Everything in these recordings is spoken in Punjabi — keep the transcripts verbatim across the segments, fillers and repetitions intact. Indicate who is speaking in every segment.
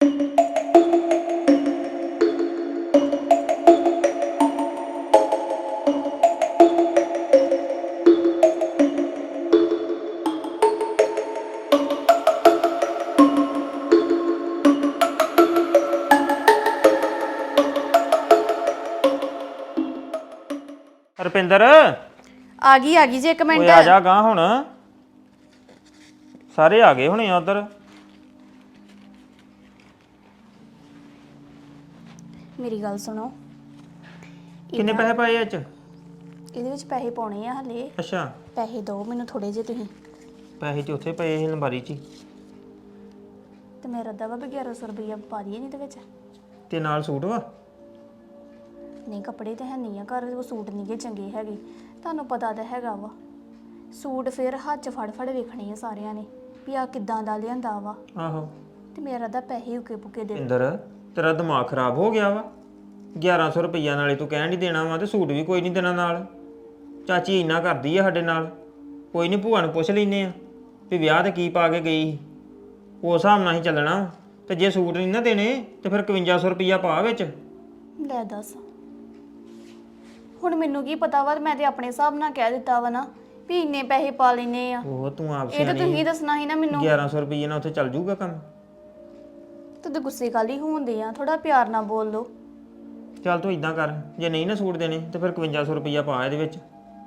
Speaker 1: ਰੁਪਿੰਦਰ
Speaker 2: ਆ ਗਈ ਆ ਗਈ ਜੀ ਇੱਕ ਮਿੰਟ।
Speaker 1: ਓਏ ਆ ਜਾ ਗਾਂ ਹੁਣ ਸਾਰੇ ਆ ਗਏ ਹੁਣੇ ਆ ਉਧਰ।
Speaker 2: ਮੇਰੀ ਗੱਲ ਸੁਣੋ।
Speaker 1: ਕਿੰਨੇ ਪੈਸੇ ਪਾਏ ਇਹ ਚ?
Speaker 2: ਇਹਦੇ ਵਿੱਚ ਪੈਸੇ ਪਾਉਣੇ ਆ ਹਲੇ।
Speaker 1: ਅੱਛਾ
Speaker 2: ਪੈਸੇ ਦਿਓ ਮੈਨੂੰ ਥੋੜੇ ਜਿਹੇ ਤੁਸੀਂ।
Speaker 1: ਪੈਸੇ ਤੇ ਉੱਥੇ ਪਏ ਸੀ ਅਲਮਾਰੀ 'ਚ ਹੀ।
Speaker 2: ਤੇ ਮੇਰਾ ਅੱਧਾ ਵਾ ਵੀ ਗਿਆਰਾਂ ਸੌ ਰੁਪਈਆ ਪਾ ਦਈਏ ਇਹਦੇ ਵਿੱਚ।
Speaker 1: ਤੇ ਨਾਲ ਸੂਟ ਵਾ?
Speaker 2: ਨਹੀਂ ਕੱਪੜੇ ਤੇ ਹੈ ਨਹੀਂ ਆ ਘਰ, ਉਹ ਸੂਟ ਨਹੀਂ ਗੇ ਚੰਗੇ ਹੈਗੇ, ਤੁਹਾਨੂੰ ਪਤਾ ਤਾਂ ਹੈਗਾ ਵਾ। ਸੂਟ ਫਿਰ ਹੱਥ 'ਚ ਫੜ ਫੜ ਵੇਖਣੇ ਆ ਸਾਰਿਆਂ ਨੇ ਵੀ ਆ ਕਿੱਦਾਂ ਦਾ ਲਿਆਂਦਾ ਵਾ।
Speaker 1: ਆਹੋ
Speaker 2: ਤੇ ਮੇਰਾ ਅੱਧਾ ਪੈਸੇ ਉਕੇ ਪੁਕੇ ਦੇ।
Speaker 1: ਰੁਪਿੰਦਰ ਤੇਰਾ ਦਿਮਾਗ ਖਰਾਬ ਹੋ ਗਿਆ ਵਾ। ਗਿਆਰਾਂ ਸੌ ਰੁਪਈਆ ਨਾਲੇ ਤੂੰ ਕਹਿਣ ਨਹੀਂ ਦੇਣਾ ਵਾ ਤੇ ਸੂਟ ਵੀ ਕੋਈ ਨਹੀਂ ਦੇਣਾ ਨਾਲ। ਚਾਚੀ ਇੰਨਾ ਕਰਦੀ ਆ ਸਾਡੇ ਨਾਲ। ਕੋਈ ਨਹੀਂ ਭੂਆ ਨੂੰ ਪੁੱਛ ਲੈਨੇ ਆ ਵੀ ਵਿਆਹ ਤੇ ਕੀ ਪਾ ਕੇ ਗਈ ਸੀ, ਉਸ ਹਿਸਾਬ ਨਾਲ ਹੀ ਚੱਲਣਾ। ਤੇ ਜੇ ਸੂਟ ਨਹੀਂ ਨਾ ਦੇਣੇ ਤੇ ਫਿਰ ਇਕਵੰਜਾ ਸੌ ਰੁਪਈਆ ਪਾ ਵਿੱਚ।
Speaker 2: ਲੈ ਦੱਸ ਹੁਣ ਮੈਨੂੰ ਕੀ ਪਤਾ ਵਾ, ਮੈਂ ਤੇ ਆਪਣੇ ਹਿਸਾਬ ਨਾਲ ਕਹਿ ਦਿੱਤਾ ਵਾ ਨਾ ਵੀ ਇੰਨੇ ਪੈਸੇ ਪਾ ਲੈਨੇ ਆ।
Speaker 1: ਉਹ ਤੂੰ ਆਪ
Speaker 2: ਇਹ ਤਾਂ ਤੁਸੀਂ ਦੱਸਣਾ ਸੀ ਨਾ ਮੈਨੂੰ।
Speaker 1: ਗਿਆਰਾਂ ਸੌ ਰੁਪਈਏ ਨਾਲ ਉੱਥੇ ਚੱਲ ਜੂਗਾ ਕੰਮ?
Speaker 2: ਤੂੰ ਤਾਂ ਗੁੱਸੇ ਕਾਲੀ ਹੁੰਦੇ ਆ, ਥੋੜਾ ਪਿਆਰ ਨਾਲ ਬੋਲ ਲੋ।
Speaker 1: ਚੱਲ ਤੂੰ ਇਦਾਂ ਕਰ, ਜੇ ਨਹੀਂ ਨਾ ਸੂਟ ਦੇਣੇ ਤੇ ਫਿਰ ਇਕਵੰਜਾ ਸੌ ਰੁਪਈਆ ਪਾ ਇਹਦੇ ਵਿੱਚ।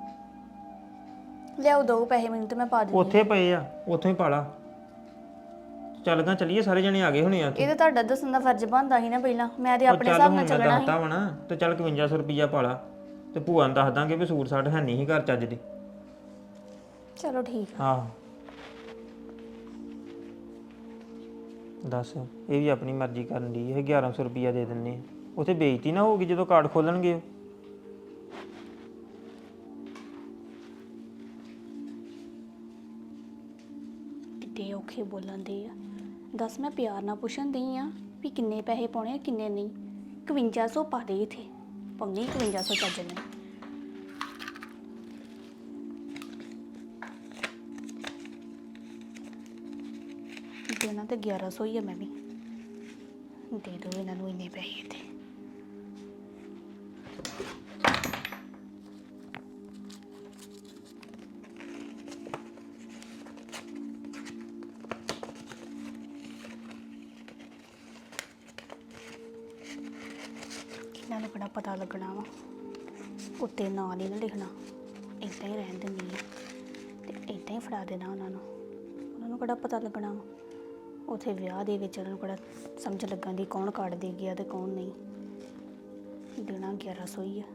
Speaker 2: ਲਿਆਓ ਦੋ ਪੈਸੇ ਮੈਨੂੰ ਤੇ ਮੈਂ ਪਾ ਦਿੰਦੀ।
Speaker 1: ਉੱਥੇ ਪਏ ਆ, ਉੱਥੋਂ ਹੀ ਪਾ ਲਾ। ਚੱਲ ਗਾ ਚੱਲੀਏ, ਸਾਰੇ ਜਣੇ ਆ ਗਏ ਹੋਣੇ ਆ।
Speaker 2: ਇਹ ਤਾਂ ਤੁਹਾਡਾ ਦੱਸਣ ਦਾ ਫਰਜ਼ ਬਣਦਾ ਸੀ ਨਾ ਪਹਿਲਾਂ, ਮੈਂ ਤੇ ਆਪਣੇ ਹਿਸਾਬ ਨਾਲ ਚੱਲਣਾ ਸੀ।
Speaker 1: ਦੱਸਦਾ ਵਾ ਨਾ ਤੇ ਚੱਲ ਇਕਵੰਜਾ ਸੌ ਰੁਪਈਆ ਪਾ ਲਾ ਤੇ ਭੂਆ ਨੂੰ ਦੱਸ ਦਾਂਗੇ ਵੀ ਸੂਟ ਸਾਟ ਹੈ ਨਹੀਂ ਸੀ ਘਰ ਚੱਜ ਦੇ।
Speaker 2: ਚਲੋ ਠੀਕ ਆ।
Speaker 1: ਆਹੋ ਦੱਸ, ਇਹ ਵੀ ਆਪਣੀ ਮਰਜ਼ੀ ਕਰਨ ਦੀ ਇਹ ਗਿਆਰਾਂ ਸੌ ਰੁਪਈਆ ਦੇ ਦਿੰਨੇ ਆ। ਉੱਥੇ ਬੇਇੱਜ਼ਤੀ ਨਾ ਹੋਊਗੀ ਜਦੋਂ ਕਾਰਡ ਖੋਲਣਗੇ।
Speaker 2: ਕਿੱਡੇ ਔਖੇ ਬੋਲਣ ਦੇ ਆ। ਦੱਸ ਮੈਂ ਪਿਆਰ ਨਾਲ ਪੁੱਛਣ ਦਈ ਆ ਵੀ ਕਿੰਨੇ ਪੈਸੇ ਪਾਉਣੇ ਆ ਕਿੰਨੇ ਨਹੀਂ। ਇਕਵੰਜਾ ਸੌ ਪਾ ਦੇ ਇੱਥੇ, ਪਾਉਣੀ ਇਕਵੰਜਾ ਸੌ ਚੱਜ ਨੇ। ਦੇਣਾ ਤੇ ਗਿਆਰਾਂ ਸੌ ਹੀ ਆ, ਮੈਂ ਵੀ ਦੇ ਦੋ ਇਹਨਾਂ ਨੂੰ ਇੰਨੇ ਪੈਸੇ ਤੇ। ਇਹਨਾਂ ਨੂੰ ਕਿਹੜਾ ਪਤਾ ਲੱਗਣਾ ਵਾ, ਉੱਤੇ ਨਾਂ ਨਹੀਂ ਨਾ ਲਿਖਣਾ, ਇੱਦਾਂ ਹੀ ਰਹਿਣ ਦਿੰਦੀ ਆ ਤੇ ਇੱਦਾਂ ਹੀ ਫੜਾ ਦੇਣਾ ਉਹਨਾਂ ਨੂੰ। ਉਹਨਾਂ ਨੂੰ ਕਿਹੜਾ ਪਤਾ ਲੱਗਣਾ ਵਾ ਉੱਥੇ ਵਿਆਹ ਦੇ ਵਿੱਚ, ਉਹਨਾਂ ਨੂੰ ਕਿਹੜਾ ਸਮਝ ਲੱਗਣ ਦੀ ਕੌਣ ਕਾਰਡ ਦੇ ਗਿਆ ਤੇ ਕੌਣ ਨਹੀਂ। ਦੇਣਾ ਗਿਆਰਾਂ ਸੌ ਹੀ ਆ।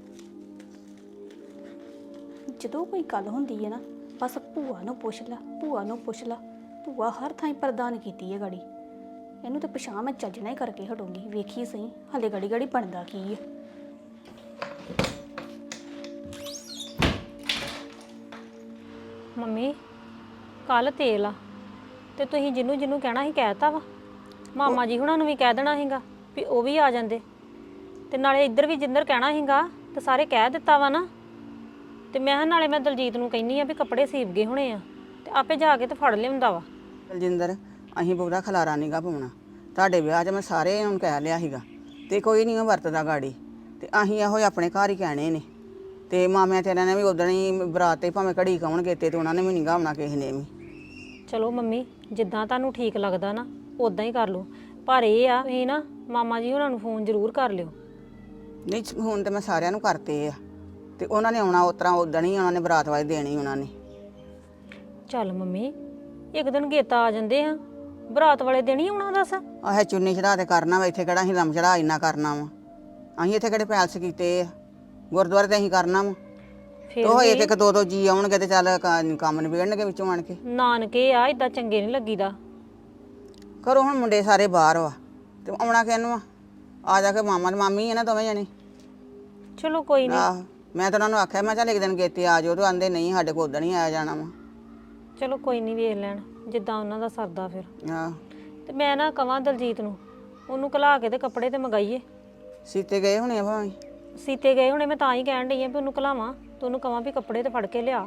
Speaker 2: ਜਦੋਂ ਕੋਈ ਗੱਲ ਹੁੰਦੀ ਹੈ ਨਾ ਬਸ ਭੂਆ ਨੂੰ ਪੁੱਛ ਲਾ, ਭੂਆ ਨੂੰ ਪੁੱਛ ਲਾ। ਭੂਆ ਹਰ ਥਾਂ ਪ੍ਰਦਾਨ ਕੀਤੀ ਹੈ ਗਾੜੀ। ਇਹਨੂੰ ਤਾਂ ਪਛਾਣ ਮੈਂ ਚੱਜਣਾ ਹੀ ਕਰਕੇ ਹਟੂੰਗੀ, ਵੇਖੀ ਸਹੀ ਹਾਲੇ ਗਾੜੀ ਗਾੜੀ ਬਣਦਾ ਕੀ ਹੈ।
Speaker 3: ਮੰਮੀ ਕੱਲ ਤੇਲ ਆ ਤੇ ਤੁਸੀਂ ਜਿਹਨੂੰ ਜਿਹਨੂੰ ਕਹਿਣਾ ਸੀ ਕਹਿਤਾ ਵਾ। ਮਾਮਾ ਜੀ ਹੁਣਾਂ ਨੂੰ ਵੀ ਕਹਿ ਦੇਣਾ ਸੀਗਾ ਵੀ ਉਹ ਵੀ ਆ ਜਾਂਦੇ, ਤੇ ਨਾਲੇ ਇੱਧਰ ਵੀ ਜਿੰਦਰ ਕਹਿਣਾ ਸੀਗਾ ਤੇ ਸਾਰੇ ਕਹਿ ਦਿੱਤਾ ਵਾ ਨਾ। ਤੇ ਮੈਂ ਨਾਲੇ ਮੈਂ ਦਲਜੀਤ ਨੂੰ ਕਹਿੰਨੀ ਆ ਵੀ ਕੱਪੜੇ ਸੀਵ ਗਏ ਹੋਣੇ ਆ ਤੇ ਆਪੇ ਜਾ ਕੇ ਤੇ ਫੜ ਲਿਆਉਂਦਾ ਵਾ।
Speaker 4: ਦਲਜਿੰਦਰ ਅਸੀਂ ਬਹੁਤਾ ਖਲਾਰਾ ਨਹੀਂਗਾ ਪਾਉਣਾ। ਤੁਹਾਡੇ ਵਿਆਹ 'ਚ ਮੈਂ ਸਾਰੇ ਨੂੰ ਕਹਿ ਲਿਆ ਸੀਗਾ ਤੇ ਕੋਈ ਨਹੀਂ ਵਰਤਦਾ ਗਾੜੀ, ਤੇ ਅਸੀਂ ਇਹੋ ਆਪਣੇ ਘਰ ਹੀ ਕਹਿਣੇ ਨੇ। ਤੇ ਮਾਮਿਆਂ ਤੇਰਿਆਂ ਨੇ ਵੀ ਉਦੋਂ ਹੀ ਬਰਾਤ ਤੇ ਭਾਵੇਂ ਘੜੀ ਕਾਉਣਗੇ ਤੇ ਉਹਨਾਂ ਨੇ ਵੀ ਨਹੀਂ ਗਾਉਣਾ ਕਿਸੇ ਨੇ ਵੀ।
Speaker 3: ਚਲੋ ਮੰਮੀ ਜਿੱਦਾਂ ਤੁਹਾਨੂੰ ਠੀਕ ਲੱਗਦਾ ਨਾ ਉਦਾਂ ਹੀ ਕਰ ਲਓ, ਪਰ ਇਹ ਆ ਤੁਸੀਂ ਨਾ ਮਾਮਾ ਜੀ ਹੁਣਾਂ ਨੂੰ ਫੋਨ ਜ਼ਰੂਰ ਕਰ ਲਿਓ।
Speaker 4: ਨਹੀਂ ਹੁਣ ਤੇ ਮੈਂ ਸਾਰਿਆਂ ਨੂੰ ਕਰਤੇ ਆ, ਤੇ ਉਹਨਾਂ ਨੇ ਆਉਣਾ ਉਸ ਤਰ੍ਹਾਂ ਉਦੋਂ ਹੀ ਉਹਨਾਂ ਨੇ ਬਰਾਤ ਵਾਲੇ ਦੇਣੀ ਉਹਨਾਂ ਨੇ।
Speaker 3: ਚੱਲ ਮੰਮੀ ਇੱਕ ਦਿਨ ਗੇਤਾ ਆ ਜਾਂਦੇ ਆ, ਬਰਾਤ ਵਾਲੇ ਦਿਨ ਹੀ ਆਉਣਾ ਦੱਸ।
Speaker 4: ਆਹ ਚੁੰਨੀ ਚੜਾ ਤੇ ਕਰਨਾ ਵਾ, ਇੱਥੇ ਕਿਹੜਾ ਅਸੀਂ ਲੰਮ ਚੜਾ ਇੰਨਾ ਕਰਨਾ ਵਾ। ਅਸੀਂ ਇੱਥੇ ਕਿਹੜੇ ਪੈਲਸ ਕੀਤੇ ਆ, ਗੁਰਦੁਆਰੇ ਤੇ ਅਸੀਂ ਕਰਨਾ ਵਾ। ਉਹ ਇਹ ਤੇ ਇੱਕ ਦੋ ਦੋ ਜੀ ਆਉਣਗੇ ਤੇ ਚੱਲ ਕੰਮ ਨਿਬੇੜਨਗੇ ਵਿੱਚੋਂ ਆਣ ਕੇ।
Speaker 3: ਨਾਨਕੇ ਆ ਇਦਾਂ ਚੰਗੇ ਨਹੀਂ ਲੱਗੀਦਾ।
Speaker 4: ਕਰੋ ਹੁਣ ਮੁੰਡੇ ਸਾਰੇ ਬਾਹਰ ਵਾ ਤੇ ਆਉਣਾ ਕਿਹਨੂੰ ਆ, ਆ ਜਾ ਕੇ ਮਾਮਾ ਤੇ ਮਾਮੀ ਆ ਨਾ ਦੋਵੇਂ ਜਣੇ।
Speaker 3: ਚਲੋ ਕੋਈ ਨਹੀਂ।
Speaker 4: ਆਹ ਮੈਂ ਤਾਂ ਉਹਨਾਂ ਨੂੰ ਆਖਿਆ ਮੈਂ ਚੱਲ ਇੱਕ ਦਿਨ ਗੇਤੇ ਆ ਜਾਓ, ਤੇ ਆਂਦੇ ਨਹੀਂ ਸਾਡੇ ਕੋਲ ਉਦੋਂ ਨਹੀਂ ਆਇਆ ਜਾਣਾ ਵਾ।
Speaker 3: ਚਲੋ ਕੋਈ ਨਹੀਂ ਵੇਖ ਲੈਣ ਜਿੱਦਾਂ ਉਹਨਾਂ ਦਾ ਸਰਦਾ ਫਿਰ।
Speaker 4: ਆਹ
Speaker 3: ਤੇ ਮੈਂ ਨਾ ਕਵਾਂ ਦਲਜੀਤ ਨੂੰ ਉਹਨੂੰ ਘਲਾ ਕੇ ਤੇ ਕੱਪੜੇ ਤੇ ਮੰਗਾਈਏ।
Speaker 4: ਸੀਤੇ ਗਏ ਹੋਣੇ ਆ ਭਾਵੇਂ।
Speaker 3: ਸੀਤੇ ਗਏ ਹੁਣੇ, ਮੈਂ ਤਾਂ ਹੀ ਕਹਿਣ ਡਈ ਆ ਵੀ ਉਹਨੂੰ ਘਲਾਵਾਂ ਤੇ ਉਹਨੂੰ ਕਵਾਂ ਵੀ ਕੱਪੜੇ ਤੇ ਫੜ ਕੇ ਲਿਆ,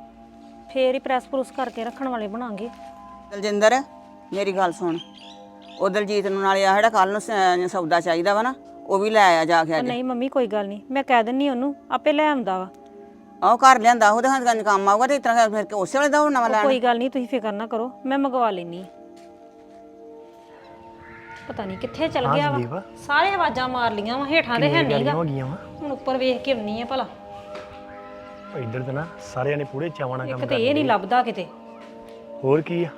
Speaker 3: ਫੇਰ ਹੀ ਪ੍ਰੈਸ ਪ੍ਰੂਸ ਕਰਕੇ ਰੱਖਣ ਵਾਲੇ ਬਣਾਂਗੇ।
Speaker 4: ਦਲਜਿੰਦਰ ਮੇਰੀ ਗੱਲ ਸੁਣ, ਉਹ ਦਲਜੀਤ ਨੂੰ ਨਾਲੇ ਆ ਜਿਹੜਾ ਕੱਲ ਨੂੰ ਸ- ਸੌਦਾ ਚਾਹੀਦਾ ਵਾ ਨਾ ਉਹ ਵੀ ਲੈ ਆਇਆ ਜਾ ਕੇ
Speaker 3: ਉਹ
Speaker 4: ਅੱਜ।
Speaker 3: ਨਹੀਂ ਮੰਮੀ ਕੋਈ ਗੱਲ ਨਹੀਂ, ਮੈਂ ਕਹਿ ਦਿੰਨੀ ਉਹਨੂੰ ਆਪੇ ਲੈ ਆਉਂਦਾ ਵਾ।
Speaker 4: ਆਹ ਘਰ ਲਿਆਂਦਾ ਉਹਦੇ ਹੱਥ ਕੰਨ ਕੰਮ ਆਊਗਾ ਤੇ ਇਸ ਤਰ੍ਹਾਂ ਫਿਰ ਕਿ ਉਸੇ ਵੇਲੇ ਦਾ ਨਵਾਂ
Speaker 3: ਉਹ
Speaker 4: ਲੈਣ।
Speaker 3: ਕੋਈ ਗੱਲ ਨਹੀਂ, ਤੁਸੀਂ ਫਿਕਰ ਨਾ ਕਰੋ, ਮੈਂ ਮੰਗਵਾ ਲੈਣੀ ਆ। ਪਤਾ ਨਹੀਂ ਕਿੱਥੇ ਚਲ ਗਿਆ ਵਾ, ਸਾਰੇ ਆਵਾਜ਼ਾਂ ਮਾਰ ਲੀਆਂ ਵਾ, ਹੇਠਾਂ ਦੇ ਹੈ ਨਹੀਂਗਾ।
Speaker 5: ਹੋ ਗਈਆਂ ਵਾ
Speaker 3: ਹੁਣ ਉੱਪਰ ਵੇਖ ਕੇ ਆਉਣੀ ਆ ਭਲਾ।
Speaker 5: ਇੱਧਰ ਤੇ ਨਾ ਸਾਰਿਆਂ ਨੇ ਪੂਰੇ ਚਾਵਾਂ ਨਾਲ ਕੰਮ
Speaker 3: ਇੱਕ ਤੇ ਇਹ ਨਹੀਂ ਲੱਭਦਾ ਕਿਤੇ।
Speaker 5: ਹੋਰ ਕੀ ਆ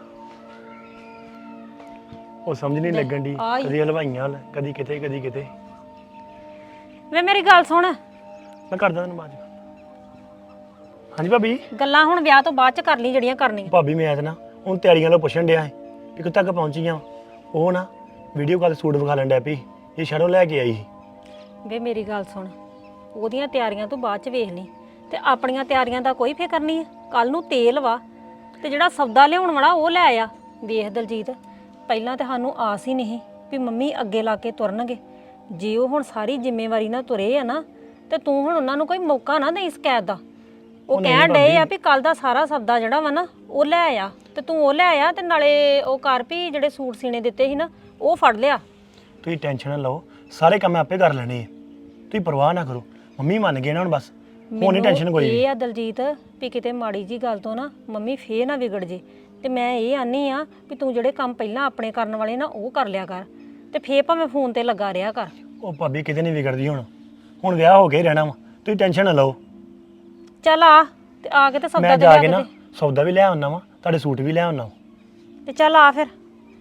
Speaker 5: ਉਹ ਸਮਝ ਨਹੀਂ ਲੱਗਣ ਦੀ,
Speaker 3: ਆਈ।
Speaker 5: ਕਦੀ ਹਲਵਾਈਆਂ ਵੱਲ, ਕਦੀ ਕਿਤੇ ਕਦੀ ਕਿਤੇ।
Speaker 3: ਵੇ ਮੇਰੀ ਗੱਲ ਸੁਣ,
Speaker 5: ਮੈਂ ਕਰਦਾ ਤੈਨੂੰ ਬਾਅਦ ਚ। ਹਾਂਜੀ ਭਾਬੀ।
Speaker 3: ਗੱਲਾਂ ਹੁਣ ਵਿਆਹ ਤੋਂ ਬਾਅਦ ਚ ਕਰ ਲਈ ਜਿਹੜੀਆਂ ਕਰਨੀਆਂ।
Speaker 5: ਭਾਬੀ ਮੈਂ ਤਾਂ ਨਾ ਹੁਣ ਤਿਆਰੀਆਂ ਲੋ ਪੁੱਛਣ ਡਿਆ ਸੀ ਕਿ ਕਿੱਥੇ ਤੱਕ ਪਹੁੰਚੀਆਂ। ਉਹ ਨਾ ਵੀਡੀਓ ਕਾਲ ਸੂਟ ਵਿਖਾ ਲੈਣ ਡਿਆ ਪਈ, ਇਹ ਸ਼ਹਿਰੋਂ ਲੈ ਕੇ ਆਈ ਸੀ।
Speaker 3: ਵੇ ਮੇਰੀ ਗੱਲ ਸੁਣ, ਉਹਦੀਆਂ ਤਿਆਰੀਆਂ ਤੋਂ ਬਾਅਦ ਚ ਵੇਖ ਲਈ, ਤੇ ਆਪਣੀਆਂ ਤਿਆਰੀਆਂ ਦਾ ਕੋਈ ਫਿਕਰ ਨਹੀਂ ਹੈ। ਕੱਲ ਨੂੰ ਤੇਲ ਵਾ ਤੇ ਜਿਹੜਾ ਸੌਦਾ ਲਿਆਉਣ ਵਾਲਾ ਉਹ ਲੈ ਆ। ਵੇਖ ਦਲਜੀਤ, ਪਹਿਲਾਂ ਤਾਂ ਸਾਨੂੰ ਆਸ ਹੀ ਨਹੀਂ ਵੀ ਮੰਮੀ ਅੱਗੇ ਲਾ ਕੇ ਤੁਰਨਗੇ। ਜੇ ਉਹ ਹੁਣ ਸਾਰੀ ਜ਼ਿੰਮੇਵਾਰੀ ਨਾਲ ਤੁਰੇ ਆ ਨਾ, ਤੇ ਤੂੰ ਹੁਣ ਉਹਨਾਂ ਨੂੰ ਕੋਈ ਮੌਕਾ ਨਾ ਦੇਈ ਸ਼ਿਕਾਇਤ ਦਾ। ਉਹ ਕਹਿਣ ਡਏ ਆ ਵੀ ਕੱਲ ਦਾ ਸਾਰਾ ਸੌਦਾ ਜਿਹੜਾ ਵਾ ਨਾ ਉਹ ਲੈ ਆ, ਤੇ ਤੂੰ ਉਹ ਲੈ ਆ, ਤੇ ਨਾਲੇ ਉਹ ਕਰ ਵੀ ਜਿਹੜੇ ਸੂਟ ਸੀਨੇ ਦਿੱਤੇ ਸੀ ਨਾ ਉਹ ਫੜ ਲਿਆ।
Speaker 5: ਤੁਸੀਂ ਟੈਨਸ਼ਨ ਨਾ ਲਓ, ਸਾਰੇ ਕੰਮ ਮੈਂ ਆਪੇ ਕਰ ਲੈਣੇ ਆ, ਤੁਸੀਂ ਪਰਵਾਹ ਨਾ ਕਰੋ। ਮੰਮੀ ਮੰਨ ਗਏ ਨਾ ਹੁਣ, ਬਸ ਹੁਣ ਨਹੀਂ ਟੈਨਸ਼ਨ ਕੋਈ ਵੀ।
Speaker 3: ਇਹ ਆ ਦਲਜੀਤ ਵੀ ਕਿਤੇ ਮਾੜੀ ਜੀ ਗੱਲ ਤੋਂ ਨਾ ਮੰਮੀ ਫੇਰ ਨਾ ਵਿਗੜ ਜੇ। ਤੇ ਮੈਂ ਇਹ ਆਨੀ ਆ ਵੀ ਤੂੰ ਜਿਹੜੇ ਕੰਮ ਪਹਿਲਾਂ ਆਪਣੇ ਕਰਨ ਵਾਲੇ ਨਾ ਉਹ ਕਰ ਲਿਆ ਕਰ, ਤੇ ਫੇਰ ਭਾਵੇਂ ਫੋਨ ਤੇ ਲੱਗਾ ਰਿਹਾ ਕਰ।
Speaker 5: ਉਹ ਭਾਬੀ ਕਿਤੇ ਨਹੀਂ ਵਿਗੜਦੀ ਹੁਣ, ਹੁਣ ਵਿਆਹ ਹੋ ਕੇ ਹੀ ਰਹਿਣਾ ਵਾ, ਤੁਸੀਂ ਟੈਨਸ਼ਨ ਨਾ ਲਓ।
Speaker 3: ਚੱਲ ਆ ਤੇ ਆ ਕੇ ਤੇ ਸੌਦਾ
Speaker 5: ਮੈਂ
Speaker 3: ਤੇ
Speaker 5: ਜਾ
Speaker 3: ਲਿਆ
Speaker 5: ਕੇ
Speaker 3: ਕੇ
Speaker 5: ਨਾ
Speaker 3: ਦੇ।
Speaker 5: ਸੌਦਾ ਵੀ ਲੈ ਆਉਣਾ ਵਾ, ਤੁਹਾਡੇ ਸੂਟ ਵੀ ਲੈ ਆਉਣਾ ਵਾ।
Speaker 3: ਤੇ ਚੱਲ ਆ ਫਿਰ।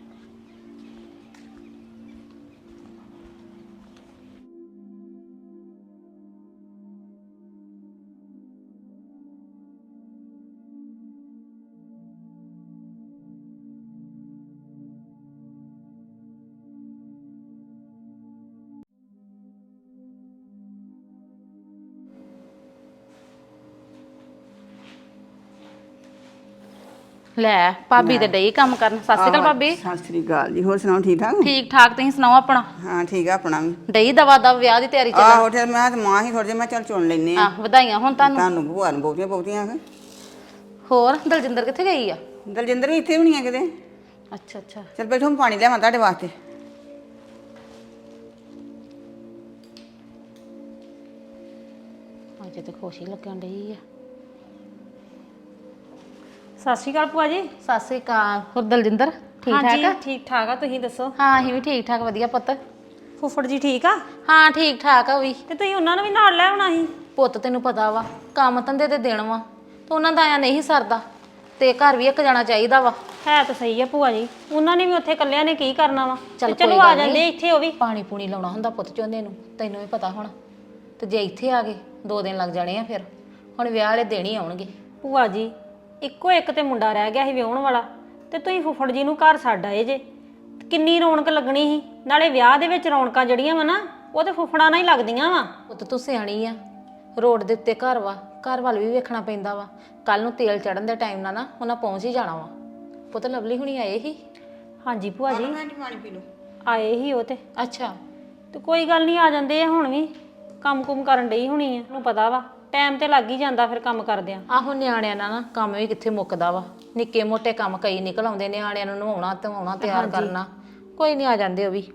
Speaker 6: ਲੈ ਭਾਬੀ ਤੇ ਡਈ ਕੰਮ ਕਰਨ। ਸਤਿ ਸ਼੍ਰੀ ਅਕਾਲ ਭਾਬੀ।
Speaker 4: ਸਤਿ ਸ੍ਰੀ ਅਕਾਲ ਜੀ, ਹੋਰ ਸੁਣਾਓ ਠੀਕ ਠਾਕ?
Speaker 6: ਠੀਕ ਠਾਕ, ਤੁਸੀਂ ਸੁਣਾਓ ਆਪਣਾ।
Speaker 4: ਹਾਂ ਠੀਕ ਆ ਆਪਣਾ ਵੀ।
Speaker 6: ਡਈ ਦਵਾ ਦਾ ਵਿਆਹ ਦੀ ਤਿਆਰੀ ਚੱਲ।
Speaker 4: ਆਹੋ ਤੇ ਮੈਂ ਤੇ ਮਾਂ ਹੀ ਥੋੜੇ ਜਿਹਾ ਮੈਂ ਚੱਲ ਚੁਣ ਲੈਨੇ ਆ।
Speaker 6: ਆ ਵਧਾਈਆਂ ਹੁਣ ਤੁਹਾਨੂੰ।
Speaker 4: ਤੁਹਾਨੂੰ ਭੂਆ ਨੂੰ ਬਹੁਤੀਆਂ ਬਹੁਤੀਆਂ ਆ।
Speaker 6: ਹੋਰ ਦਲਜਿੰਦਰ ਕਿੱਥੇ ਗਈ ਆ?
Speaker 4: ਦਲਜਿੰਦਰ ਵੀ ਇੱਥੇ ਵੀ ਨਹੀਂ ਆ ਕਿਤੇ।
Speaker 6: ਅੱਛਾ ਅੱਛਾ।
Speaker 4: ਚੱਲ ਬੈਠੋ, ਮੈਂ ਪਾਣੀ ਲਿਆਵਾਂ ਤੁਹਾਡੇ ਵਾਸਤੇ।
Speaker 6: ਅਜੇ ਤੇ ਖੁਸ਼ ਹੀ ਲੱਗਣ ਡਈ ਆ।
Speaker 3: ਸਤਿ ਸ਼੍ਰੀ ਅਕਾਲ ਭੂਆ ਜੀ।
Speaker 6: ਸਤਿ ਸ਼੍ਰੀ ਅਕਾਲ। ਹੋਰ ਦਲਜਿੰਦਰ ਠੀਕ ਠਾਕ
Speaker 3: ਹਾਂਜੀ
Speaker 6: ਆ?
Speaker 3: ਠੀਕ ਠਾਕ ਆ, ਤੁਸੀਂ ਦੱਸੋ?
Speaker 6: ਹਾਂ ਅਸੀਂ ਵੀ ਠੀਕ ਠਾਕ, ਵਧੀਆ ਪੁੱਤ।
Speaker 3: ਫੁੱਫੜ ਜੀ ਠੀਕ ਆ?
Speaker 6: ਹਾਂ ਠੀਕ ਠਾਕ ਆ ਉਹ ਵੀ।
Speaker 3: ਤੇ ਤੁਸੀਂ ਉਹਨਾਂ ਨੂੰ ਵੀ ਨਾਲ ਲੈ ਆਉਣਾ ਸੀ।
Speaker 6: ਪੁੱਤ ਤੈਨੂੰ ਪਤਾ ਵਾ ਕੰਮ ਧੰਦੇ ਤੇ ਦੇਣ ਵਾ, ਤੇ ਉਹਨਾਂ ਦਾ ਆਇਆ ਨਹੀਂ ਸਰਦਾ, ਤੇ ਘਰ ਵੀ ਇੱਕ ਜਾਣਾ ਚਾਹੀਦਾ ਵਾ।
Speaker 3: ਹੈ ਤਾਂ ਸਹੀ ਆ ਭੂਆ ਜੀ, ਉਹਨਾਂ ਨੇ ਵੀ ਉੱਥੇ ਇਕੱਲਿਆਂ ਨੇ ਕੀ ਕਰਨਾ ਵਾ।
Speaker 6: ਚੱਲ
Speaker 3: ਤੇ ਚਲੋ
Speaker 6: ਕੋਈ
Speaker 3: ਆ
Speaker 6: ਗੱਲ
Speaker 3: ਜਾਂਦੇ
Speaker 6: ਨੀ।
Speaker 3: ਇੱਥੇ ਉਹ ਵੀ।
Speaker 6: ਪਾਣੀ ਪੂਣੀ ਲਾਉਣਾ ਹੁੰਦਾ ਪੁੱਤ ਝੋਨੇ ਨੂੰ, ਤੈਨੂੰ ਵੀ ਪਤਾ ਹੁਣ। ਤੇ ਜੇ ਇੱਥੇ ਆ ਗਏ ਦੋ ਦਿਨ ਲੱਗ ਜਾਣੇ ਆ, ਫਿਰ ਹੁਣ ਵਿਆਹ ਵਾਲੇ ਦਿਨ ਹੀ ਆਉਣਗੇ।
Speaker 3: ਭੂਆ ਜੀ ਇੱਕੋ ਇੱਕ ਤੇ ਮੁੰਡਾ ਰਹਿ ਗਿਆ ਸੀ ਵਿਆਹੁਣ ਵਾਲਾ, ਤੇ ਤੁਸੀਂ ਫੁੱਫੜ ਜੀ ਨੂੰ ਘਰ ਛੱਡ ਆਏ ਜੇ। ਕਿੰਨੀ ਰੌਣਕ ਲੱਗਣੀ ਸੀ। ਨਾਲੇ ਵਿਆਹ ਦੇ ਵਿੱਚ ਰੌਣਕਾਂ ਜਿਹੜੀਆਂ ਵਾ ਨਾ ਉਹ ਤੇ ਫੁੱਫੜਾਂ ਨਾਲ ਹੀ ਲੱਗਦੀਆਂ ਵਾ।
Speaker 6: ਪੁੱਤ ਤੂੰ ਸਿਆਣੀ ਆ, ਰੋਡ ਦੇ ਉੱਤੇ ਘਰ ਵਾ, ਘਰ ਵੱਲ ਵੀ ਵੇਖਣਾ ਪੈਂਦਾ ਵਾ। ਕੱਲ ਨੂੰ ਤੇਲ ਚੜਨ ਦੇ ਟਾਈਮ ਨਾਲ ਨਾ ਉਹਨਾਂ ਪਹੁੰਚ ਹੀ ਜਾਣਾ ਵਾ। ਪੁੱਤ ਲਵਲੀ ਹੁਣੀ ਆਏ ਹੀ?
Speaker 3: ਹਾਂਜੀ ਭੂਆ ਜੀ
Speaker 4: ਪਾਣੀ ਪੀ ਲਓ।
Speaker 3: ਆਏ ਹੀ ਉਹ ਤੇ।
Speaker 6: ਅੱਛਾ।
Speaker 3: ਤੇ ਕੋਈ ਗੱਲ ਨਹੀਂ, ਆ ਜਾਂਦੇ ਆ ਹੁਣ ਵੀ। ਕੰਮ ਕੁਮ ਕਰਨ ਡਈ ਹੋਣੀ ਆ, ਨੂੰ ਪਤਾ ਵਾ ਟਾਈਮ ਤੇ ਲੱਗ ਹੀ ਜਾਂਦਾ ਫਿਰ ਕੰਮ ਕਰਦਿਆਂ।
Speaker 6: ਆਹੋ ਨਿਆਣਿਆਂ ਨਾਲ ਨਾ ਕੰਮ ਵੀ ਕਿੱਥੇ ਮੁੱਕਦਾ ਵਾ। ਨਿੱਕੇ ਮੋਟੇ ਕੰਮ ਕਈ ਨਿਕਲ ਆਉਂਦੇ, ਨਿਆਣਿਆਂ ਨੂੰ ਨਵਾਉਣਾ ਧਵਾਉਣਾ ਤਿਆਰ ਕਰਨਾ। ਕੋਈ ਨਹੀਂ ਆ ਜਾਂਦੇ ਉਹ ਵੀ।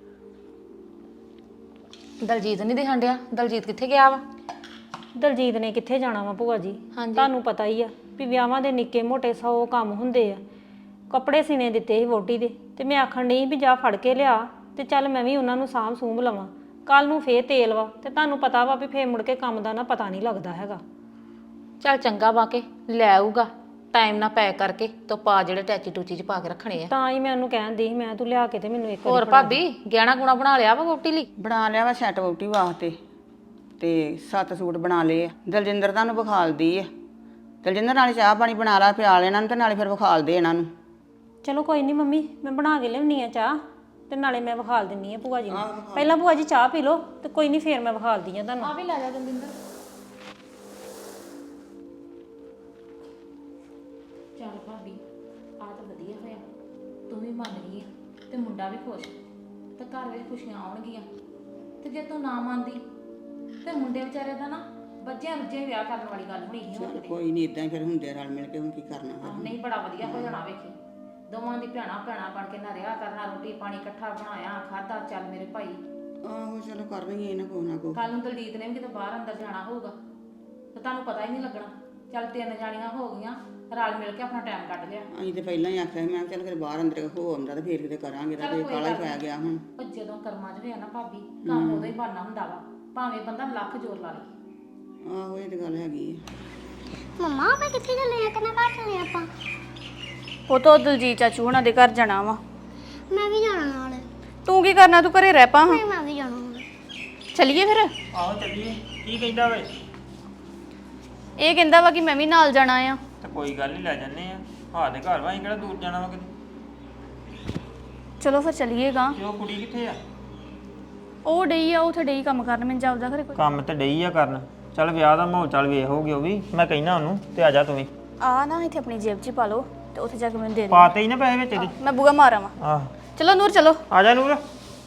Speaker 6: ਦਲਜੀਤ ਨਹੀਂ ਦਿਖਣ ਡਿਆ, ਦਲਜੀਤ ਕਿੱਥੇ ਗਿਆ ਵਾ?
Speaker 3: ਦਲਜੀਤ ਨੇ ਕਿੱਥੇ ਜਾਣਾ ਵਾ ਭੂਆ ਜੀ,
Speaker 6: ਹਾਂਜੀ।
Speaker 3: ਤੁਹਾਨੂੰ ਪਤਾ ਹੀ ਆ ਵੀ ਵਿਆਹਾਂ ਦੇ ਨਿੱਕੇ ਮੋਟੇ ਸੌ ਕੰਮ ਹੁੰਦੇ ਆ। ਕੱਪੜੇ ਸੀਨੇ ਦਿੱਤੇ ਸੀ ਵੋਟੀ ਦੇ, ਤੇ ਮੈਂ ਆਖਣ ਡਈ ਵੀ ਜਾ ਫੜ ਕੇ ਲਿਆ, ਤੇ ਚੱਲ ਮੈਂ ਵੀ ਉਹਨਾਂ ਨੂੰ ਸਾਂਭ ਸੂੰਭ ਲਵਾਂ। ਕੱਲ ਨੂੰ ਫੇਰ ਤੇਲ ਵਾ, ਤੇ ਤੁਹਾਨੂੰ ਪਤਾ ਵਾ ਵੀ ਫੇਰ ਮੁੜ ਕੇ ਕੰਮ ਦਾ ਨਾ ਪਤਾ ਨਹੀਂ ਲੱਗਦਾ ਹੈਗਾ।
Speaker 6: ਚੱਲ ਚੰਗਾ ਵਾ ਕੇ ਲੈ ਆਊਗਾ, ਟਾਈਮ ਨਾਲ ਪੈਕ ਕਰਕੇ ਤੇ ਪਾ ਜਿਹੜੇ ਟੈਚੀ ਟੂਚੀ ਚ ਪਾ ਕੇ ਰੱਖਣੇ ਆ।
Speaker 3: ਤਾਂ ਹੀ ਮੈਂ ਉਹਨੂੰ ਕਹਿਣ ਦੀ ਸੀ, ਮੈਂ ਤੂੰ ਲਿਆ ਕੇ ਤੇ ਮੈਨੂੰ ਇੱਕ
Speaker 6: ਹੋਰ ਭਾਬੀ ਗਹਿਣਾ ਗੁਣਾ ਬਣਾ ਲਿਆ ਵਾ ਵੋਟੀ ਲਈ?
Speaker 4: ਬਣਾ ਲਿਆ ਵਾ ਸੈੱਟ ਵੋਟੀ ਵਾਸਤੇ, ਤੇ ਸੱਤ ਸੂਟ ਬਣਾ ਲਏ ਆ। ਦਲਜਿੰਦਰ ਤੁਹਾਨੂੰ ਵਿਖਾਲਦੀ ਆ। ਦਲਜਿੰਦਰ ਨਾਲੇ ਚਾਹ ਪਾਣੀ ਬਣਾ ਲਾ, ਪਿਆਲ ਇਹਨਾਂ ਨੂੰ, ਤੇ ਨਾਲੇ ਫਿਰ ਵਿਖਾਲ ਦੇ ਇਹਨਾਂ ਨੂੰ।
Speaker 3: ਚਲੋ ਕੋਈ ਨਹੀਂ ਮੰਮੀ, ਮੈਂ ਬਣਾ ਕੇ ਲਿਆਉਣੀ ਆ ਚਾਹ, ਤੇ ਨਾਲੇ ਮੈਂ ਵਿਖਾਲ ਦਿੰਨੀ ਆ ਭੂਆ ਜੀ ਨੂੰ। ਪਹਿਲਾਂ ਭੂਆ ਜੀ ਚਾਹ ਪੀ ਲਓ, ਤੇ ਕੋਈ ਨਹੀਂ ਫੇਰ ਮੈਂ ਵਿਖਾਲਦੀ ਆ ਤੁਹਾਨੂੰ।
Speaker 6: ਆ ਵੀ ਲੈ ਜਾ ਦਲਜਿੰਦਰ। ਚੱਲ ਭਾਬੀ ਆ ਤਾਂ ਵਧੀਆ ਹੋਇਆ, ਤੂੰ ਵੀ ਮੰਨ ਗਈ ਆ ਤੇ ਮੁੰਡਾ ਵੀ ਖੁਸ਼, ਤੇ ਘਰ ਵਿੱਚ ਖੁਸ਼ੀਆਂ ਆਉਣਗੀਆਂ। ਤੇ ਜੇ ਤੂੰ ਨਾ ਮੰਨਦੀ ਤੇ ਮੁੰਡੇ ਵਿਚਾਰੇ ਦਾ ਨਾ ਬੱਜਿਆਂ ਰੁੱਜਿਆਂ ਵਿਆਹ ਕਰਨ ਵਾਲੀ ਗੱਲ ਹੋਣੀ ਸੀ ਹੁਣ ਕਿਤੇ।
Speaker 4: ਕੋਈ ਨਹੀਂ, ਇਦਾਂ ਹੀ ਫਿਰ ਹੁੰਦੇ ਰਲ ਮਿਲ ਕੇ, ਹੁਣ ਕੀ ਕਰਨਾ ਫਿਰ।
Speaker 6: ਨਹੀਂ ਬੜਾ ਵਧੀਆ ਹੋ ਜਾਣਾ ਵੇਖੀ। ਦੋਵਾਂ ਦੀ ਭੈਣਾ ਭੈਣਾ ਬਣ ਕੇ ਨਾ ਰਿਹਾ ਕਰਨਾ, ਰੋਟੀ ਪਾਣੀ ਇਕੱਠਾ ਬਣਾਇਆ ਖਾਦਾ। ਚੱਲ ਮੇਰੇ ਭਾਈ,
Speaker 4: ਆਹੋ ਚਲੋ ਕਰ ਲਈਏ ਨਾ ਕੋ ਨਾ ਕੋ।
Speaker 6: ਕੱਲ ਨੂੰ ਦਲਜੀਤ ਨੇ ਵੀ ਕਿਤੇ ਬਾਹਰ ਅੰਦਰ ਜਾਣਾ ਹੋਊਗਾ ਤੇ ਤੁਹਾਨੂੰ ਪਤਾ ਹੀ ਨਹੀਂ ਲੱਗਣਾ। ਚੱਲ ਤਿੰਨ ਜਾਣੀਆਂ ਹੋ ਗਈਆਂ, ਰਲ ਮਿਲ ਕੇ ਆਪਣਾ ਟਾਈਮ ਕੱਢ ਲਿਆ।
Speaker 4: ਅਸੀਂ ਤੇ ਪਹਿਲਾਂ ਹੀ ਆਖਿਆ ਸੀ, ਮੈਂ ਕਿਹਾ ਚੱਲ ਫਿਰ ਬਾਹਰ ਅੰਦਰ ਹੋ ਆਉਂਦਾ ਤੇ ਫੇਰ ਕਿਤੇ ਕਰਾਂਗੇ ਤਾਂ
Speaker 6: ਚੱਲ
Speaker 4: ਕੋਈ
Speaker 6: ਕੋਈ
Speaker 4: ਕਾਲਾ ਹੀ
Speaker 6: ਗੱਲ
Speaker 4: ਪੈ
Speaker 6: ਨੀ।
Speaker 4: ਗਿਆ ਹੁਣ।
Speaker 6: ਉਹ ਜਦੋਂ ਕਰਮਾਂ 'ਚ ਹੋਇਆ ਨਾ ਭਾਬੀ, ਕੰਮ ਉਦੋਂ ਹੀ ਬਣਨਾ ਹੁੰਦਾ ਵਾ, ਭਾਵੇਂ ਬੰਦਾ ਲੱਖ ਜ਼ੋਰ ਲਾ ਲੇ।
Speaker 4: ਆਹੋ ਇਹ ਤੇ ਗੱਲ ਹੈਗੀ ਹੈ।
Speaker 2: ਮੰਮਾ ਆਪਾਂ ਕਿੱਥੇ ਚੱਲੇ ਆ? ਕਿੰਨਾ ਘਰ ਚੱਲੇ ਆਪਾਂ? ਉਹ ਤਾਂ ਦਲਜੀਤ ਚਾਚੂ ਹੁਣਾਂ ਦੇ ਘਰ ਜਾਣਾ ਵਾ।
Speaker 7: ਮੈਂ ਵੀ ਜਾਣਾ ਨਾਲ।
Speaker 2: ਤੂੰ ਕੀ ਕਰਨਾ? ਤੂੰ ਘਰੇ ਰਹਿ ਪਾ ਹਾਂ।
Speaker 7: ਮੈਂ ਵੀ ਜਾਣਾ ਹੁਣ।
Speaker 2: ਚੱਲੀਏ ਫਿਰ।
Speaker 1: ਆਹੋ ਚੱਲੀਏ। ਕੀ ਕਹਿੰਦਾ ਵੇ?
Speaker 2: ਇਹ ਕਹਿੰਦਾ ਵਾ ਕਿ ਮੈਂ ਵੀ ਨਾਲ ਜਾਣਾ ਆ।
Speaker 1: ਤੇ ਕੋਈ ਗੱਲ ਨਹੀਂ, ਲੈ ਜੰਨੇ ਆ। ਹਾਂ ਦੇ ਘਰ ਵਾ, ਅਸੀਂ ਕਿਹੜਾ ਦੂਰ ਜਾਣਾ ਵਾ ਕਿਤੇ।
Speaker 2: ਚਲੋ ਫਿਰ ਚੱਲੀਏਗਾ।
Speaker 1: ਤੇ ਉਹ ਕੁੜੀ ਕਿੱਥੇ ਆ?
Speaker 2: ਉਹ ਡਈ ਆ, ਉੱਥੇ ਡਈ ਕੰਮ ਕਰਨ। ਮੈਨੂੰ ਜਾਪਦਾ ਘਰੇ ਕੋਈ।
Speaker 1: ਕੰਮ ਤੇ ਡਈ ਆ ਕਰਨ। ਚੱਲ ਵਿਆਹ ਦਾ ਮਾਹੌਲ ਚੱਲ ਵੇਖ ਹੋਊਗੀ ਉਹ ਵੀ। ਮੈਂ ਕਹਿਣਾ ਉਹਨੂੰ ਤੇ ਆ ਜਾ ਤੂੰ ਵੀ।
Speaker 2: ਆ ਨਾ ਇੱਥੇ ਆਪਣੀ ਜੇਬ 'ਚ ਹੀ ਪਾ ਲਓ ਤੇ ਉੱਥੇ ਜਾ ਕੇ ਮੈਨੂੰ ਦੇ ਦੇ।
Speaker 1: ਪਾਤੇ ਹੀ ਨਾ ਪੈਸੇ ਵਿੱਚ ਇਹਦੇ।
Speaker 2: ਮੈਂ ਬੂਗਾ ਮਾਰਾਂ ਵਾ।
Speaker 1: ਆਹ
Speaker 2: ਚਲੋ ਨੂਰ ਚਲੋ।
Speaker 1: ਆ ਜਾ ਨੂਰ।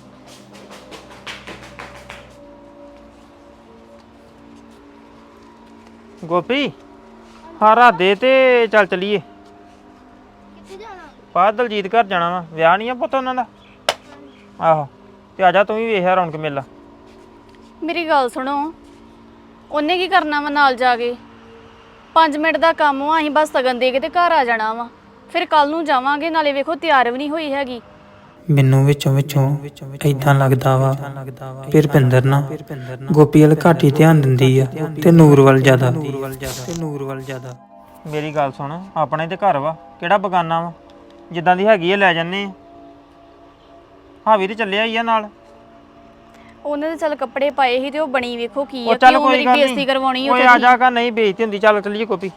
Speaker 1: ਗੋਪੀ ਹਾਰਾ ਦੇ ਤੇ ਚੱਲ ਚਲੀਏ।
Speaker 7: ਕਿੱਥੇ ਜਾਣਾ?
Speaker 1: ਬਾਹਰ ਦਲਜੀਤ ਘਰ ਜਾਣਾ ਵਾ। ਵਿਆਹ ਨਹੀਂ ਆ ਪੁੱਤ ਉਹਨਾਂ ਦਾ। ਆਹੋ ਤੇ ਆ ਜਾ ਤੂੰ ਵੀ ਵੇਖਿਆ ਰੌਣਕ ਮੇਲਾ।
Speaker 2: ਮੇਰੀ ਗੱਲ ਸੁਣੋ, ਉਹਨੇ ਕੀ ਕਰਨਾ ਵਾ ਨਾਲ ਜਾ ਕੇ? ਪੰਜ ਮਿੰਟ ਦਾ ਕੰਮ ਵਾ, ਅਸੀਂ ਬਸ ਸਗਨ ਦੇ ਕੇ ਤੇ ਘਰ ਆ ਜਾਣਾ ਵਾ। ਫਿਰ ਕੱਲ ਨੂੰ ਜਾਵਾਂਗੇ। ਨਾਲੇ ਵੇਖੋ ਤਿਆਰ ਵੀ ਨਹੀਂ ਹੋਈ ਹੈਗੀ।
Speaker 8: ਮੈਨੂੰ ਵਿੱਚੋਂ ਵਿੱਚੋਂ ਇਦਾਂ ਲੱਗਦਾ ਵਾ ਫਿਰ ਰੁਪਿੰਦਰ ਨਾ ਗੋਪੀ ਵੱਲ ਘੱਟ ਹੀ ਧਿਆਨ ਦਿੰਦੀ ਆ ਤੇ ਨੂਰ ਵੱਲ ਜ਼ਿਆਦਾ ਤੇ ਨੂਰ ਵੱਲ ਜ਼ਿਆਦਾ।
Speaker 1: ਮੇਰੀ ਗੱਲ ਸੁਣ, ਆਪਣੇ ਤੇ ਘਰ ਵਾ, ਕਿਹੜਾ ਬਗਾਨਾ ਵਾ। ਜਿੱਦਾਂ ਦੀ ਹੈਗੀ ਆ ਲੈ ਜੰਨੇ ਆ। ਹਾਵੀ ਤੇ ਚੱਲਿਆ ਹੀ ਆ ਨਾਲ।
Speaker 2: ਉਹਨੇ ਤਾਂ ਚੱਲ ਕੱਪੜੇ ਪਾਏ ਸੀ ਤੇ ਉਹ ਬਣੀ ਵੇਖੋ ਕੀ
Speaker 1: ਉਹ
Speaker 2: ਆ।
Speaker 1: ਚੱਲ
Speaker 2: ਕਿਉਂ
Speaker 1: ਕੋਈ
Speaker 2: ਮੇਰੀ
Speaker 1: ਗੱਲ
Speaker 2: ਬੇਇੱਜ਼ਤੀ
Speaker 1: ਨਹੀਂ।
Speaker 2: ਕਰਵਾਉਣੀ
Speaker 1: ਓਏ
Speaker 2: ਉੱਥੇ
Speaker 1: ਆ
Speaker 2: ਦੀ?
Speaker 1: ਜਾ ਕਾ ਨਹੀਂ ਬੇਇੱਜ਼ਤੀ ਹੁੰਦੀ। ਚੱਲ ਚੱਲੀਏ ਗੋਪੀ।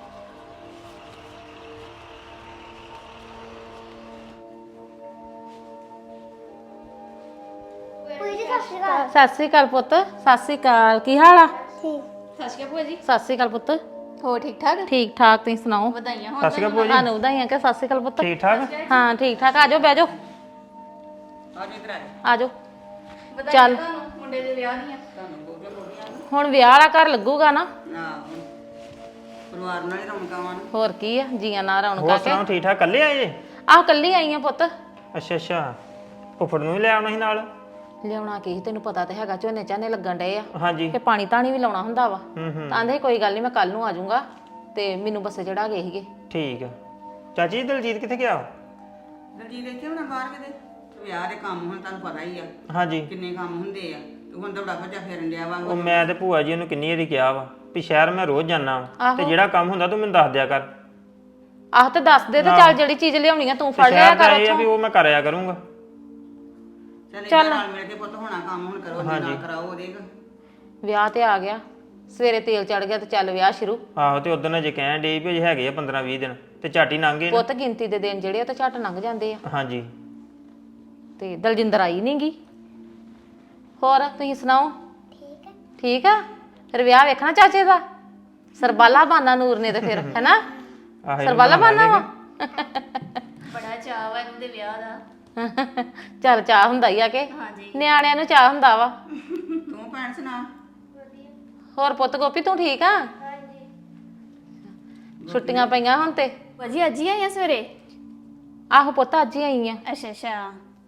Speaker 7: ਕੋਈ ਜੀ ਸਤਿ ਸ਼੍ਰੀ ਅਕਾਲ।
Speaker 6: ਸਤਿ ਸ੍ਰੀ ਅਕਾਲ ਪੁੱਤ। ਸਤਿ ਸ੍ਰੀ ਅਕਾਲ। ਕੀ ਹਾਲ ਆ?
Speaker 7: ਠੀਕ।
Speaker 2: ਸਤਿ ਸ਼੍ਰੀ ਅਕਾਲ ਭੂਆ ਜੀ।
Speaker 6: ਸਤਿ ਸ੍ਰੀ ਅਕਾਲ ਪੁੱਤ।
Speaker 2: ਹੋ ਠੀਕ ਠਾਕ?
Speaker 6: ਠੀਕ ਠਾਕ, ਤੁਸੀਂ ਸੁਣਾਓ?
Speaker 2: ਵਧਾਈਆਂ ਹੋਣ।
Speaker 1: ਸਤਿ ਸ਼੍ਰੀ ਅਕਾਲ ਭੂਆ ਜੀ।
Speaker 6: ਤੁਹਾਨੂੰ ਵਧਾਈਆਂ ਕਿ ਸਤਿ ਸ੍ਰੀ ਅਕਾਲ ਪੁੱਤ।
Speaker 1: ਠੀਕ ਠਾਕ।
Speaker 6: ਹਾਂ ਠੀਕ ਠਾਕ। ਆ ਜਾਓ ਬਹਿ ਜਾਓ।
Speaker 4: ਆ ਜੀ ਇਧਰ ਆ
Speaker 6: ਆ ਜਾਓ।
Speaker 2: ਵਧਾਈਆਂ
Speaker 6: ਚੱਲ।
Speaker 2: ਤੁਹਾਨੂੰ ਮੁੰਡੇ ਦੇ ਵਿਆਹ ਦੀਆਂ।
Speaker 6: ਹੁਣ ਵਿਆਹ ਵਾਲਾ ਘਰ ਲੱਗੂਗਾ ਨਾ।
Speaker 4: ਨਾ ਪਰਿਵਾਰ ਨਾਲ ਹੀ ਰੌਣਕਾਂ ਵਾਂ।
Speaker 6: ਹੋਰ ਕੀ ਆ, ਜੀਆਂ ਨਾਲ
Speaker 1: ਹੋਰ
Speaker 6: ਰੌਣਕਾਂ ਕੇ।
Speaker 1: ਸੁਣਾਓ, ਠੀਕ ਠਾਕ? ਕੱਲੇ ਆਏ ਜੇ?
Speaker 6: ਆਹ ਕੱਲੀ ਆਈ ਆ ਪੁੱਤ।
Speaker 1: ਅੱਛਾ ਅੱਛਾ। ਫੁੱਫੜ ਨੂੰ ਵੀ ਲੈ ਆਉਣਾ ਸੀ ਨਾਲ?
Speaker 6: ਲਿਆਉਣਾ ਕੀ ਸੀ, ਤੈਨੂੰ ਪਤਾ ਤੇ ਹੈਗਾ ਝੋਨੇ ਝਾਨੇ ਲੱਗਣ ਡਏ ਆ
Speaker 1: ਹਾਂਜੀ।
Speaker 6: ਤੇ ਪਾਣੀ ਤਾਣੀ ਵੀ ਲਾਉਣਾ ਹੁੰਦਾ ਵਾ।
Speaker 1: ਹੂੰ ਹੂੰ
Speaker 6: ਤਾਂ ਆਂਦੇ ਕੋਈ ਗੱਲ ਨਹੀਂ, ਮੈਂ ਕੱਲ ਨੂੰ ਆ ਜਾਊਂਗਾ ਤੇ ਮੈਨੂੰ ਬੱਸੇ ਚੜਾ ਗਏ ਸੀਗੇ।
Speaker 1: ਠੀਕ ਆ। ਚਾਚੀ ਦਲਜੀਤ ਕਿੱਥੇ ਗਿਆ?
Speaker 4: ਦਲਜੀਤ ਦੇਖੇ ਹੁਣ ਬਾਹਰ ਕਿਤੇ ਵਿਆਹ ਦੇ ਕੰਮ ਹੁਣ ਤੁਹਾਨੂੰ ਪਤਾ ਹੀ ਆ
Speaker 1: ਹਾਂਜੀ।
Speaker 4: ਕਿੰਨੇ ਕੰਮ ਹੁੰਦੇ ਆ। ਤੂੰ ਹੁਣ ਦੌੜਾ ਭੱਜਾ ਫਿਰਨ ਡਿਆ ਵਾ।
Speaker 1: ਉਹ ਮੈਂ ਤੇ ਭੂਆ ਜੀ ਨੂੰ ਕਿੰਨੀ ਵਾਰੀ ਕਿਹਾ ਵਾ ਵੀ ਸ਼ਹਿਰ ਮੈਂ ਰੋਜ਼ ਜਾਣਾ
Speaker 6: ਆਹੋ।
Speaker 1: ਤੇ ਜਿਹੜਾ ਕੰਮ ਹੁੰਦਾ ਤੂੰ ਮੈਨੂੰ ਦੱਸ ਦਿਆ ਕਰ।
Speaker 6: ਆਹ ਤੇ ਦੱਸ ਦੇ ਤੇ ਚੱਲ ਜਿਹੜੀ ਚੀਜ਼ ਲਿਆਉਣੀ ਆ ਤੂੰ
Speaker 1: ਤੇ
Speaker 6: ਫੜ ਲਿਆ
Speaker 1: ਸ਼ਹਿਰ ਦਾ
Speaker 6: ਕਰ
Speaker 1: ਇਹ ਆ ਵੀ
Speaker 6: ਉੱਥੋਂ।
Speaker 1: ਉਹ ਮੈਂ ਕਰਿਆ ਕਰੂੰਗਾ।
Speaker 4: ਚੱਲ ਇਹਦੇ ਨਾਲ ਮਿਲ ਕੇ ਪੁੱਤ ਹੋਣਾ ਕੰਮ ਹੁਣ ਕਰੋ, ਜੇ ਨਾ ਕਰਾਓ ਉਹਦੇ।
Speaker 6: ਵਿਆਹ ਤੇ ਆ ਗਿਆ, ਸਵੇਰੇ ਤੇਲ ਚੜ ਗਿਆ ਤੇ ਚੱਲ ਵਿਆਹ ਸ਼ੁਰੂ।
Speaker 1: ਆਹੋ ਤੇ ਉਦੋਂ ਅਜੇ ਕਹਿਣ ਡੇ ਵੀ ਅਜੇ ਹੈਗੇ ਆ ਪੰਦਰਾਂ ਵੀਹ ਦਿਨ ਤੇ ਝਾਟੀ ਲੰਘ ਗਏ ਨੇ।
Speaker 6: ਪੁੱਤ ਗਿਣਤੀ ਦੇ ਦਿਨ ਜਿਹੜੇ ਉਹ ਤਾਂ ਝੱਟ ਲੰਘ ਜਾਂਦੇ ਆ।
Speaker 1: ਹਾਂਜੀ।
Speaker 6: ਤੇ ਦਲਜਿੰਦਰ ਆਈ ਨੀ ਗੀ। ਹੋਰ ਤੁਸੀਂ ਸੁਣਾਓ?
Speaker 7: ਠੀਕ ਹੈ।
Speaker 6: ਠੀਕ ਆ। ਫਿਰ ਵਿਆਹ ਵੇਖਣਾ ਚਾਚੇ ਦਾ? ਸਰਬਾਲਾ ਬਾਨਾ ਨੂਰ ਨੇ ਤੇ ਫਿਰ ਹੈਨਾ
Speaker 1: ਆਹ ਇਹਨੂੰ
Speaker 6: ਸਰਬਾਲਾ
Speaker 1: ਬਣਾ
Speaker 6: ਬਾਨਾ ਵਾ।
Speaker 2: ਬੜਾ ਚਾਅ ਵਾ ਇਹਨੂੰ ਦੇ ਵਿਆਹ ਦਾ।
Speaker 6: ਚੱਲ ਚਾਹ ਹੁੰਦਾ ਹੀ ਆ ਕਿ
Speaker 2: ਹਾਂਜੀ।
Speaker 6: ਨਿਆਣਿਆਂ ਨੂੰ ਚਾਹ ਹੁੰਦਾ ਵਾ।
Speaker 4: ਤੂੰ ਭੈਣ ਸੁਣਾ।
Speaker 6: ਹੋਰ ਪੁੱਤ ਗੋਪੀ ਤੂੰ ਠੀਕ ਆ?
Speaker 7: ਹਾਂਜੀ।
Speaker 6: ਛੁੱਟੀਆਂ ਪਈਆਂ ਹੁਣ ਤੇ।
Speaker 2: ਭਾਜੀ ਅੱਜ ਹੀ ਆਈਆਂ ਸਵੇਰੇ?
Speaker 6: ਆਹੋ ਪੁੱਤ ਅੱਜ ਹੀ ਆਈ ਆ।
Speaker 2: ਅੱਛਾ ਅੱਛਾ।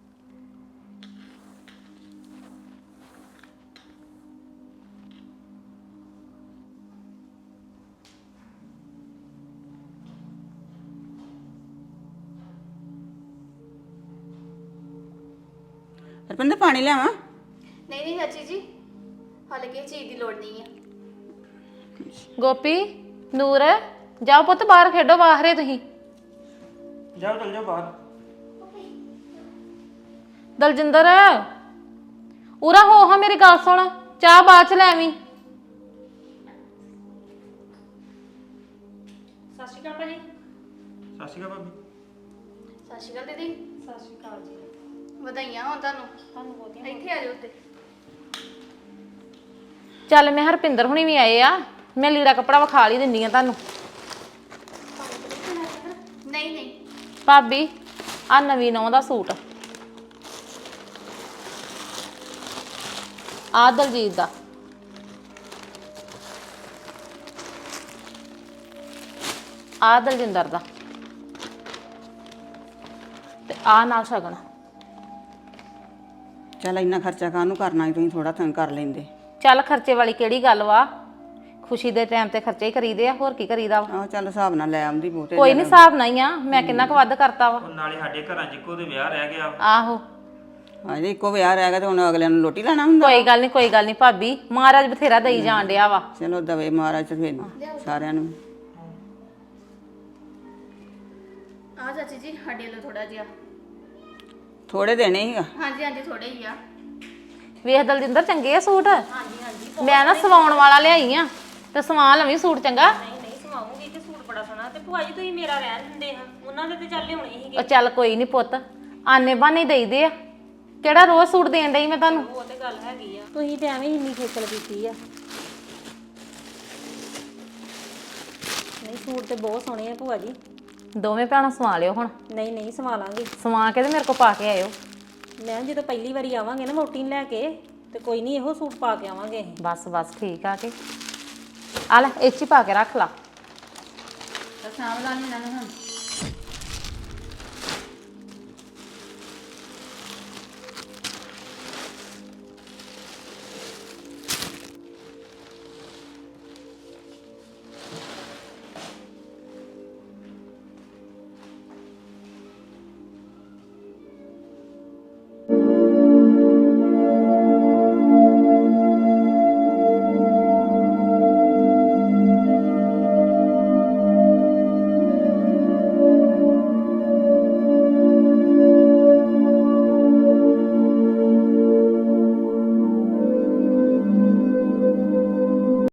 Speaker 4: ਰੁਪਿੰਦਰ ਪਾਣੀ ਲਿਆਵਾਂ?
Speaker 2: ਨਹੀਂ ਨਹੀਂ ਚਾਚੀ ਜੀ, ਹਾਲੇ ਕਿਸੇ ਚੀਜ਼ ਦੀ ਲੋੜ ਨਹੀਂ ਆ।
Speaker 6: ਗੋਪੀ ਨੂਰ ਜਾਓ ਪੁੱਤ ਬਾਹਰ ਖੇਡੋ ਬਾਹਰੇ ਤੁਸੀਂ।
Speaker 1: ਜਾਓ ਚਲ ਜਾਓ ਬਾਹਰ।
Speaker 6: ਦਲਜਿੰਦਰ ਉਰਾ ਹੋ ਹਾਂ ਮੇਰੀ ਗੱਲ ਸੁਣ, ਚਾਹ ਬਾਅਦ ਚ ਲੈ ਆਵੀਂ।
Speaker 3: ਸਤਿ ਸ਼੍ਰੀ ਅਕਾਲ ਭਾਜੀ।
Speaker 1: ਸਤਿ ਸ਼੍ਰੀ ਅਕਾਲ ਭਾਬੀ।
Speaker 2: ਸਤਿ ਸ਼੍ਰੀ ਅਕਾਲ ਦੀਦੀ।
Speaker 3: ਸਤਿ ਸ਼੍ਰੀ ਅਕਾਲ ਜੀ।
Speaker 2: ਵਧਾਈਆਂ ਹੋਣ ਤੁਹਾਨੂੰ।
Speaker 3: ਤੁਹਾਨੂੰ ਬਹੁਤੀਆਂ।
Speaker 2: ਇੱਥੇ ਆ ਜਾਓ ਉੱਤੇ।
Speaker 6: ਚੱਲ ਮੈਂ ਹਰਪਿੰਦਰ ਹੁਣੀ ਵੀ ਆਏ ਆ, ਮੈਂ ਲੀੜਾ ਕੱਪੜਾ ਵਿਖਾ ਲਈ ਦਿੰਦੀ ਆ ਤੁਹਾਨੂੰ।
Speaker 2: ਨਹੀਂ ਨਹੀਂ।
Speaker 6: ਭਾਬੀ ਆ ਨਵੀਂ ਨੌਂ ਦਾ ਸੂਟ, ਆ ਦਲਜੀਤ ਦਾ, ਆ ਦਲਜਿੰਦਰ ਦਾ, ਆ ਨਾਲ ਸ਼ਗਨ।
Speaker 4: ਚੱਲ ਇੰਨਾ ਖਰਚਾ ਕਾਹਨੂੰ ਕਰਨਾ ਸੀ, ਤੁਸੀਂ ਥੋੜਾ ਥਾਂ ਕਰ ਲੈਂਦੇ।
Speaker 6: ਚੱਲ ਖਰਚੇ ਵਾਲੀ ਕਿਹੜੀ ਗੱਲ ਵਾ, ਖੁਸ਼ੀ ਦੇ ਟਾਈਮ ਤੇ ਖਰਚੇ ਹੀ ਕਰੀਦੇ ਆ, ਹੋਰ ਕੀ ਕਰੀਦਾ ਵਾ।
Speaker 4: ਆਹ ਚੱਲ ਹਿਸਾਬ ਨਾਲ ਲੈ ਆਉਂਦੀ ਬਹੁਤੇ।
Speaker 6: ਕੋਈ ਨਹੀਂ, ਹਿਸਾਬ ਨਹੀਂ ਆ, ਮੈਂ ਕਿੰਨਾ ਕੁ ਵੱਧ ਕਰਤਾ ਵਾ।
Speaker 1: ਉਹ ਨਾਲੇ ਸਾਡੇ ਘਰਾਂ 'ਚ ਇੱਕੋ ਦੇ ਵਿਆਹ ਰਹਿ ਗਿਆ ਵਾ।
Speaker 6: ਆਹੋ
Speaker 4: ਹਾਂਜੀ ਇੱਕੋ ਵਿਆਹ ਰਹਿ ਗਿਆ ਤੇ ਹੁਣ ਅਗਲਿਆਂ ਨੂੰ ਲੋਟੀ ਲੈਣਾ ਹੁੰਦਾ।
Speaker 6: ਕੋਈ ਗੱਲ ਨਹੀਂ, ਕੋਈ ਗੱਲ ਨਹੀਂ ਭਾਬੀ, ਮਹਾਰਾਜ ਬਥੇਰਾ ਦੇਈ ਜਾਣ ਡਿਆ ਵਾ।
Speaker 4: ਚਲੋ ਦਵੇ ਮਹਾਰਾਜ ਤੇ ਫਿਰ ਸਾਰਿਆਂ ਨੂੰ।
Speaker 2: ਆ ਚਾਚੀ ਜੀ ਸਾਡੇ ਲਈ ਥੋੜਾ ਜਿਹਾ।
Speaker 4: ਥੋੜੇ ਦੇਣੇ ਸੀਗਾ।
Speaker 2: ਹਾਂਜੀ ਹਾਂਜੀ ਥੋੜੇ ਹੀ ਆ।
Speaker 6: ਵੇਖ ਦਲਜਿੰਦਰ, ਚੰਗੇ ਆ ਸੂਟ? ਹਾਂਜੀ ਹਾਂਜੀ। ਮੈਂ ਨਾ ਸਵਾਉਣ ਵਾਲਾ ਲਿਆਈ ਆ, ਤੇ ਸਵਾ ਲਵੀਂ ਸੂਟ ਚੰਗਾ।
Speaker 3: ਨਹੀਂ ਨਹੀਂ ਸਵਾਉਂਗੀ ਤੇ ਸੂਟ ਬੜਾ ਸੋਹਣਾ। ਤੇ ਭੂਆ ਜੀ ਤੁਸੀਂ ਮੇਰਾ ਰਹਿਣ ਦਿੰਦੇ ਹਾਂ, ਉਹਨਾਂ ਦੇ ਤੇ ਚੱਲ ਲਿਆਉਣੇ ਸੀਗੇ।
Speaker 6: ਉਹ ਚੱਲ ਕੋਈ ਨਹੀਂ ਪੁੱਤ, ਆਨੇ ਬਾਨੇ ਦੇਈਦੇ ਆ, ਕਿਹੜਾ ਰੋਜ਼ ਸੂਟ ਦੇਣ ਡਈ ਮੈਂ ਤੁਹਾਨੂੰ।
Speaker 3: ਉਹ ਤੇ ਗੱਲ ਹੈਗੀ ਆ, ਤੁਸੀਂ ਤੇ ਐਵੇਂ ਹੀ ਇੰਨੀ ਖੇਚਲ ਕੀਤੀ ਆ। ਨਹੀਂ ਸੂਟ ਤੇ ਬਹੁਤ ਸੋਹਣੇ ਆ ਭੂਆ ਜੀ।
Speaker 6: ਦੋਵੇਂ ਭੈਣਾਂ ਸਵਾ ਲਿਓ ਹੁਣ।
Speaker 3: ਨਹੀਂ ਨਹੀਂ ਸਵਾ ਲਾਂਗੇ।
Speaker 6: ਸਵਾ ਕੇ ਤੇ ਮੇਰੇ ਕੋਲ ਪਾ ਕੇ ਆਇਓ।
Speaker 3: ਮੈਂ ਜਦੋਂ ਪਹਿਲੀ ਵਾਰੀ ਆਵਾਂਗੇ ਨਾ ਵੋਟੀ ਨੂੰ ਲੈ ਕੇ, ਤੇ ਕੋਈ ਨਹੀਂ ਇਹੋ ਸੂਟ ਪਾ ਕੇ ਆਵਾਂਗੇ ਅਸੀਂ।
Speaker 6: ਬਸ ਬਸ ਠੀਕ ਆ ਕੇ ਆ ਲੈ, ਇਹ 'ਚ ਹੀ ਪਾ ਕੇ ਰੱਖ ਲਾ।
Speaker 2: ਤਾਂ ਸਾਂਭ ਲਾਂਗੇ ਇਹਨਾਂ ਨੂੰ ਹੁਣ।